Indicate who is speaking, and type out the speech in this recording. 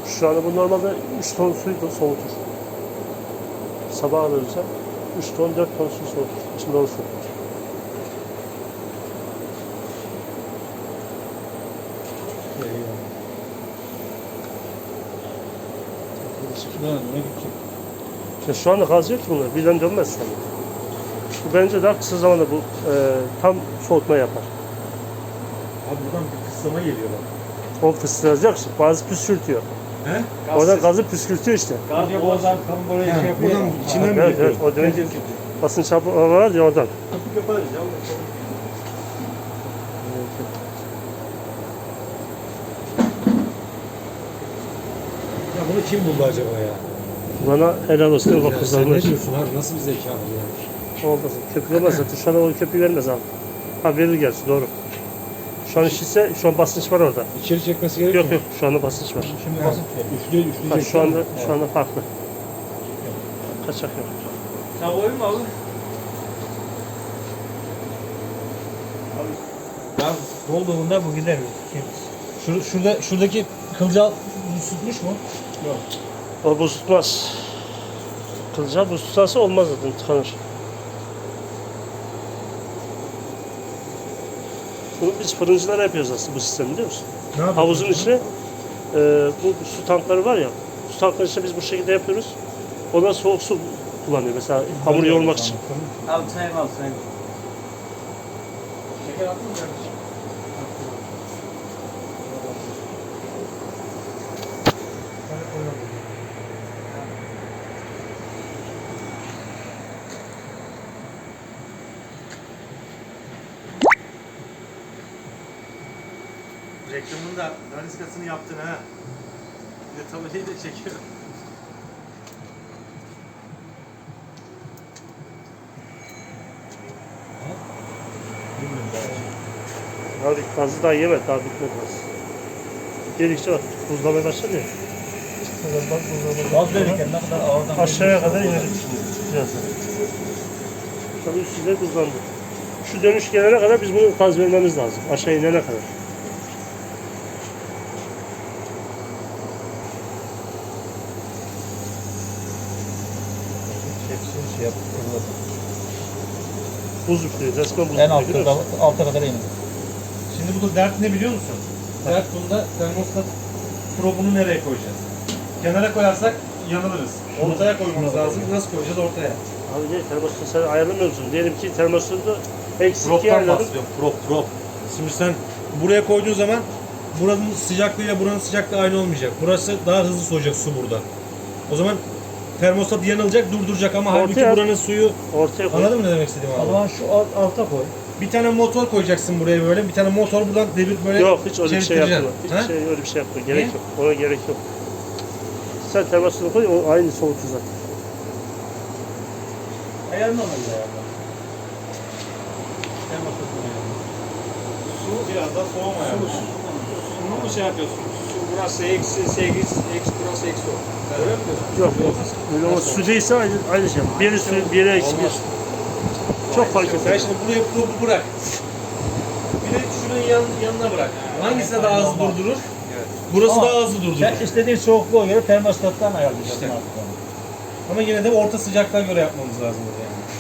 Speaker 1: Şu anda bu normalde 3 ton suyu da soğutur. Sabah alırsa 3 ton 4 ton su soğutur. İçinde olsun. Ya şu anda gaz yok ki bunlar. Birden dönmez tabii. Bu bence daha kısa zamanda bu tam soğutma yapar.
Speaker 2: Abi buradan bir kısıtlama geliyor bak.
Speaker 1: O fısıldayacak işte. Bazı püskürtüyor.
Speaker 2: He?
Speaker 1: Oradan gazı püskürtüyor işte.
Speaker 3: Gaz boğazdan tam böyle şey yapıyor.
Speaker 2: Buradan içinden mi
Speaker 1: Evet,
Speaker 2: yapıyor?
Speaker 1: evet. O demek ki basınç çarpı var ya oradan.
Speaker 3: Kapı yaparız ya.
Speaker 2: Ya bunu kim buldu acaba ya?
Speaker 1: Bana helal olsun. Bak
Speaker 2: Sen
Speaker 1: kızlarına.
Speaker 2: ne diyorsun abi? Nasıl bir zeka bu ya?
Speaker 1: Olmaz. Köpük olmaz zaten. Şu an o köpüğü vermez abi. Ha verir gerçi doğru. Şu an işitse şu an basınç var orada.
Speaker 2: İçeri çekmesi gerekiyor
Speaker 1: Yok yok şu anda basınç var.
Speaker 3: Şimdi basıp
Speaker 2: Üfleyecek.
Speaker 1: Ha, şu anda farklı. Kaçak yok.
Speaker 3: sen koyayım mı abi? Ya dolduğunda bu gider.
Speaker 4: Şuradaki kılcal tutmuş mu?
Speaker 3: Yok.
Speaker 1: O buz tutmaz. Kılcal buz tutarsa olmaz zaten tıkanır. Bunu biz fırıncılar yapıyoruz aslında bu sistemi biliyor musun?
Speaker 2: Ne yapıyorsun?
Speaker 1: Havuzun içine bu su tankları var ya, su tankları içine biz bu şekilde yapıyoruz. Ondan soğuk su kullanıyor mesela hamur yoğurmak için.
Speaker 3: Abi çayım al çayım.
Speaker 4: Şeker attın mı kardeşim?
Speaker 2: Reklamın da daniskasını yaptın ha. Bir de tabelayı da çekiyor.
Speaker 1: Abi gazı daha yemedi, daha bitmedi gaz. Geldikçe bak buzlamaya başladı ya. Bak buzlamaya
Speaker 4: Gaz verirken ne kadar ağırdan
Speaker 1: aşağıya kadar inecek şimdi birazdan. Tabii üstüne buzlandı. Şu dönüş gelene kadar biz bunu gaz vermemiz lazım. Aşağı inene kadar.
Speaker 4: şey yapıp
Speaker 1: Buz üflüyor. Resmen buz
Speaker 4: en
Speaker 1: üflüyor.
Speaker 4: alta kadar iniyor.
Speaker 2: Şimdi burada dert ne biliyor musun? Dert bunda termostat probunu nereye koyacağız? Kenara koyarsak yanılırız. Ortaya koymamız lazım. Nasıl koyacağız ortaya?
Speaker 1: Abi ne termostatı sen ayarlamıyor musun? Diyelim ki termostatı eksik
Speaker 2: Prop'tan
Speaker 1: yerlerin.
Speaker 2: bahsediyorum. Prop. Şimdi sen buraya koyduğun zaman buranın sıcaklığıyla buranın sıcaklığı aynı olmayacak. Burası daha hızlı soğuyacak su burada. O zaman termostat yanılacak, durduracak ama halbuki
Speaker 1: Ortaya-
Speaker 2: buranın suyu...
Speaker 1: Ortaya koy.
Speaker 2: Anladın mı ne demek istediğimi
Speaker 4: O
Speaker 2: abi?
Speaker 4: zaman şu alta koy.
Speaker 2: Bir tane motor koyacaksın buraya böyle. Bir tane motor buradan devir böyle
Speaker 1: Yok hiç öyle bir şey
Speaker 2: çevirtireceksin.
Speaker 1: yapma.
Speaker 2: Ha?
Speaker 1: Hiç öyle bir şey yapma. Gerek
Speaker 2: Niye?
Speaker 1: yok. Ona gerek yok. Sen termostatı koy, o aynı soğutur zaten.
Speaker 4: Ayarını alırız ayarını.
Speaker 2: Su biraz da soğumaya.
Speaker 3: Bunu mu şey yapıyorsun? Su burası eksi 8, eksi burası eksi 10. Öyle mi diyorsun?
Speaker 1: Yok yok. Öyle ama su değilse aynı şey. Biri su, biri eksi bir. Çok fark
Speaker 2: Sen
Speaker 1: etmez.
Speaker 2: şimdi buraya probu bırak. Bir de şunun yanına bırak. Hangisi daha hızlı durdurur? Burası
Speaker 4: Ama
Speaker 2: daha hızlı durdurur.
Speaker 4: Sen istediğin soğukluğa göre termostattan ayarlayacaksın
Speaker 2: İşte.
Speaker 4: artık onu.
Speaker 2: Ama yine de orta sıcaklığa göre yapmamız lazım burada yani.